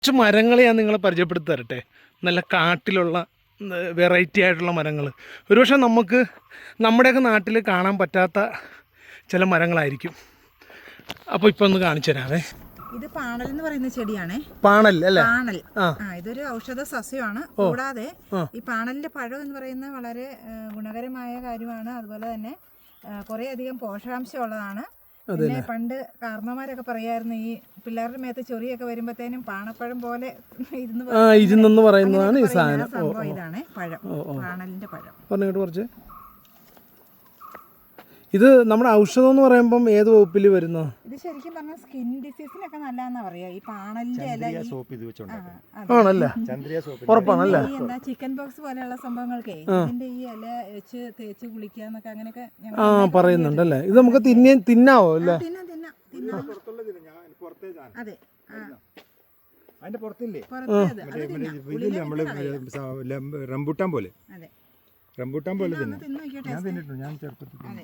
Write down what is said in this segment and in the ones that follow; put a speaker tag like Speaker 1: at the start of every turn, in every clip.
Speaker 1: കുറച്ച് മരങ്ങൾ ഞാൻ നിങ്ങളെ പരിചയപ്പെടുത്തി തരട്ടെ. നല്ല കാട്ടിലുള്ള വെറൈറ്റി ആയിട്ടുള്ള മരങ്ങൾ. ഒരുപക്ഷെ നമുക്ക് നമ്മുടെയൊക്കെ നാട്ടിൽ കാണാൻ പറ്റാത്ത ചില മരങ്ങളായിരിക്കും. അപ്പോൾ ഇപ്പോൾ ഒന്ന് കാണിച്ചു തരാവേ.
Speaker 2: ഇത് പാണൽ എന്ന് പറയുന്ന ചെടിയാണ്.
Speaker 1: പാണൽ അല്ലേ?
Speaker 2: പാണൽ. ഇതൊരു ഔഷധ സസ്യമാണ്. കൂടാതെ ഈ പാണലിന്റെ പഴം എന്ന് പറയുന്നത് വളരെ ഗുണകരമായ കാര്യമാണ്. അതുപോലെ തന്നെ കുറേ അധികം പോഷകാംശം ഉള്ളതാണ്. പിന്നെ പണ്ട് കാരണവന്മാരൊക്കെ പറയായിരുന്നു ഈ പിള്ളേരുടെ മേത്ത് ചൊറിയൊക്കെ വരുമ്പോഴത്തേനും പാണപ്പഴം പോലെ
Speaker 1: ഇരുന്നെന്ന് പറയുന്നതാണ് ഈ സാധനം.
Speaker 2: ഇതാണ് പഴം, പാണലിന്റെ പഴം.
Speaker 1: പറഞ്ഞിട്ട് കുറച്ച് ഇത് നമ്മുടെ ഔഷധം എന്ന് പറയുമ്പം ഏത് വകുപ്പിൽ വരുന്നോ?
Speaker 2: ഇത് ശരിക്കും പറഞ്ഞാൽ സ്കിൻ ഡിസീസിനൊക്കെ നല്ലതാണെന്നാ പറയാ. ഈ പാണലിന്റെ
Speaker 1: ആണല്ലേ? ഉറപ്പാണല്ലേ?
Speaker 2: എന്താ ചിക്കൻ ബോക്സ് പോലെയുള്ള സംഭവങ്ങൾക്ക് ഇതിന്റെ ഈ ഇല വെച്ച് തേച്ച് കുളിക്കാന്നൊക്കെ അങ്ങനെയൊക്കെ
Speaker 1: പറയുന്നുണ്ടല്ലേ? ഇത് നമുക്ക് തിന്നാവോ അല്ലേ?
Speaker 2: അതെ.
Speaker 3: അതിന്റെ പുറത്തില്ലേ റംബൂട്ടാൻ പോലെ. റംബൂട്ടാൻ പോലെ തന്നെ ഞാൻ തിന്നിട്ടുണ്ട്. ഞാൻ ചെറുപ്പത്തിൽ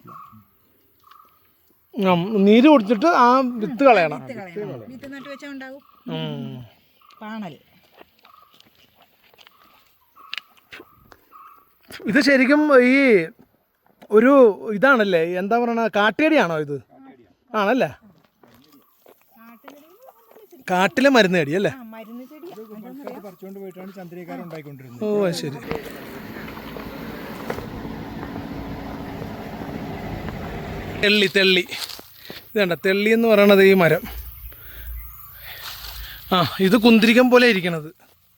Speaker 1: നീര് കുടിച്ചിട്ട് ആ വിത്ത് കളയണം.
Speaker 2: വിത്ത് നട്ട് വെച്ചാൽ ഉണ്ടാവും പാണൽ.
Speaker 1: ഇത് ശരിക്കും ഈ ഒരു ഇതാണല്ലേ, എന്താ പറയണ, കാട്ടുകടിയാണോ ഇത്? ആണല്ലേ? കാട്ടിലെ മരുന്ന് ചെടി അല്ലേ?
Speaker 3: പറിച്ചുകൊണ്ട് പോയിട്ടാണ് ചന്ദ്രികാരം ഉണ്ടായിക്കൊണ്ടിരുന്നത്.
Speaker 1: ഓ ശരി. തെള്ളി ഇതേണ്ട, തെള്ളി എന്ന് പറയണത് ഈ മരം. ഇത് കുന്തിരിക്കം പോലെ ഇരിക്കണത്.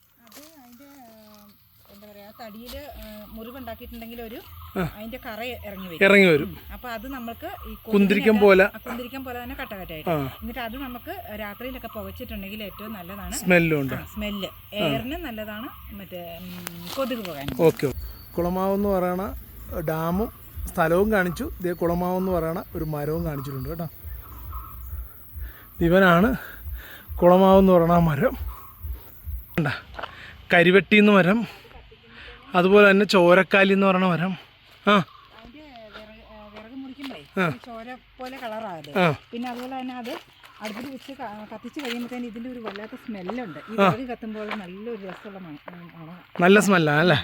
Speaker 2: തടിയില് മുറിവുണ്ടാക്കിയിട്ടുണ്ടെങ്കിൽ ഒരു അതിന്റെ കറ
Speaker 1: ഇറങ്ങി വരും.
Speaker 2: അപ്പൊ അത് നമുക്ക്
Speaker 1: കുന്തിരിക്കം പോലെ
Speaker 2: തന്നെ കട്ടകട്ടായിട്ട്, എന്നിട്ട് അത് നമുക്ക് രാത്രിയിലൊക്കെ പുകച്ചിട്ടുണ്ടെങ്കിൽ ഏറ്റവും നല്ലതാണ്.
Speaker 1: സ്മെല്ലുണ്ട്.
Speaker 2: സ്മെല്ല് എയറിന് നല്ലതാണ്. മറ്റേ കൊതുക് പോകാൻ.
Speaker 1: ഓക്കെ. കുളമാവ് എന്ന് പറയണ ഡാമും സ്ഥലവും കാണിച്ചു. ഇതേ കുളമാവ് എന്ന് പറയണ ഒരു മരവും കാണിച്ചിട്ടുണ്ട് കേട്ടോ. ഇവനാണ് കുളമാവ് എന്ന് പറയണ മരം. കരിവെട്ടി എന്ന് മരം, അതുപോലെ തന്നെ ചോരക്കാലി എന്ന് പറയുന്ന മരം.
Speaker 2: വിറക് മുറിക്കുമ്പോഴേ ചോര പോലെ കളറാകല്ലേ. പിന്നെ അതുപോലെ തന്നെ അത് അടുപ്പിൽ വെച്ച് കത്തിച്ച് കഴിയുമ്പോഴത്തേന് ഇതിൻ്റെ ഒരു വല്ലാത്ത സ്മെല്ലുണ്ട്. ഈ വിറക് കത്തുമ്പോൾ നല്ലൊരു രസമുള്ള
Speaker 1: നല്ല സ്മെല്ലാണ് അല്ലേ?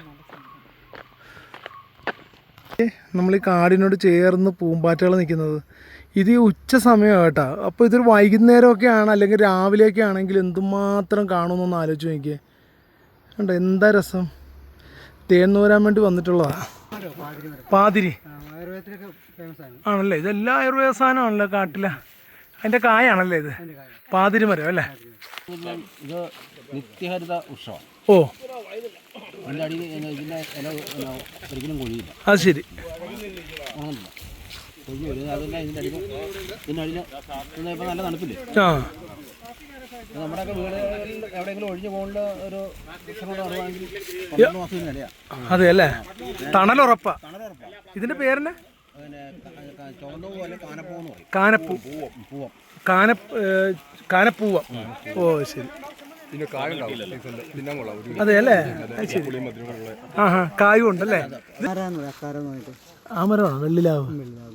Speaker 1: നമ്മൾ ഈ കാടിനോട് ചേർന്ന് പൂമ്പാറ്റകൾ നിൽക്കുന്നത് ഇത് ഈ ഉച്ച സമയമാണ് കേട്ടോ. അപ്പോൾ ഇതൊരു വൈകുന്നേരമൊക്കെയാണ് അല്ലെങ്കിൽ രാവിലെയൊക്കെ ആണെങ്കിൽ എന്തുമാത്രം കാണുമെന്നൊന്ന് ആലോചിച്ച് നോക്കിയേ. കണ്ടോ എന്താ രസം. തേന്നൂരാൻ വേണ്ടി വന്നിട്ടുള്ളതാണ്. പാതിരി ആണല്ലേ? ഇതെല്ലാം ആയുർവേദ സാധനമാണല്ലോ കാട്ടിലെ. അതിൻ്റെ കായാണല്ലേ ഇത്? പാതിരി മരം അല്ലേ?
Speaker 4: ഇത് നിത്യഹരിത വൃക്ഷമാണ്.
Speaker 1: ഓ
Speaker 4: ഒരിക്കലും കൊഴിയില്ല.
Speaker 1: അത് ശരി.
Speaker 4: കൊഴിഞ്ഞു വരും. അതിൻ്റെ ഇതിനടിയിൽ ഇപ്പം നല്ല തണുപ്പില്ലേ? നമ്മുടെയൊക്കെ വീടുകളിൽ എവിടെയെങ്കിലും ഒഴിഞ്ഞു പോകുന്ന ഒരു വൃക്ഷം കൊണ്ട് പറയുവാണെങ്കിൽ 12 മാസം നിലയാണ്. അതെ
Speaker 1: അല്ലേ? തണലുറപ്പാ. ഇതിൻ്റെ പേരെന്നെ
Speaker 4: ചുവന്ന പോലെ കാനപ്പൂവെന്ന് പറയും.
Speaker 1: കാനപ്പൂവ. ഓ ശരി. അതെ അല്ലേ? കായും ഉണ്ടല്ലേ? ആ മരമാണോ വെള്ളിലാവ്?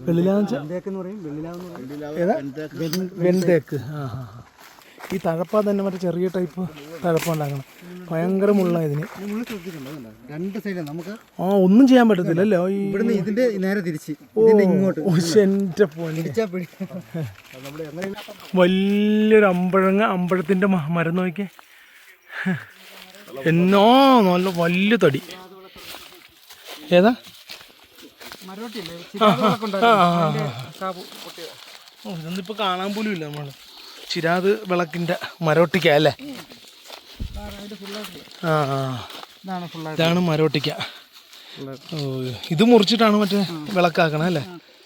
Speaker 1: വെൺതേക്ക്. ഈ തഴപ്പ തന്നെ മറ്റേ ചെറിയ ടൈപ്പ് തഴപ്പ ഉണ്ടാക്കണം. ഭയങ്കര മുള്ള ഇതിന്.
Speaker 3: രണ്ട് സൈഡിൽ നമുക്ക്
Speaker 1: ഒന്നും ചെയ്യാൻ പറ്റത്തില്ലല്ലോ.
Speaker 3: ഇതിന്റെ നേരെ തിരിച്ച്
Speaker 1: എന്റെ വലിയൊരു അമ്പഴത്തിന്റെ മരം നോക്കിയേ. എന്നോ നല്ല വലിയ തടി. ഏതാ? ഇതൊന്നിപ്പോ കാണാൻ പോലും ഇല്ല. നമ്മള് ചിരാത് വിളക്കിന്റെ മരോട്ടിക്ക അല്ലേ? ഇതാണ് മരോട്ടിക്ക. ഇത് മുറിച്ചിട്ടാണ് മറ്റേ വിളക്കാക്കണ അല്ലേ?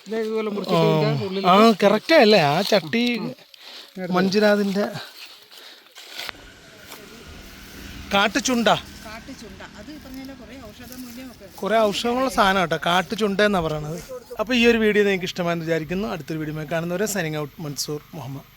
Speaker 1: കറക്റ്റാ അല്ലേ? ആ ചട്ടി മഞ്ജുരാതിന്റെ കാട്ടുചുണ്ട. കുറെ ഔഷധമുള്ള സാധനം കേട്ടോ, കാട്ടുചുണ്ട എന്നാ പറയണത്. അപ്പോൾ ഈ ഒരു വീഡിയോ നിങ്ങൾക്ക് ഇഷ്ടമായെന്ന് വിചാരിക്കുന്നു. അടുത്തൊരു വീഡിയോ കാണുന്നവരെ സൈനിങ് ഔട്ട്, മൻസൂർ മുഹമ്മദ്.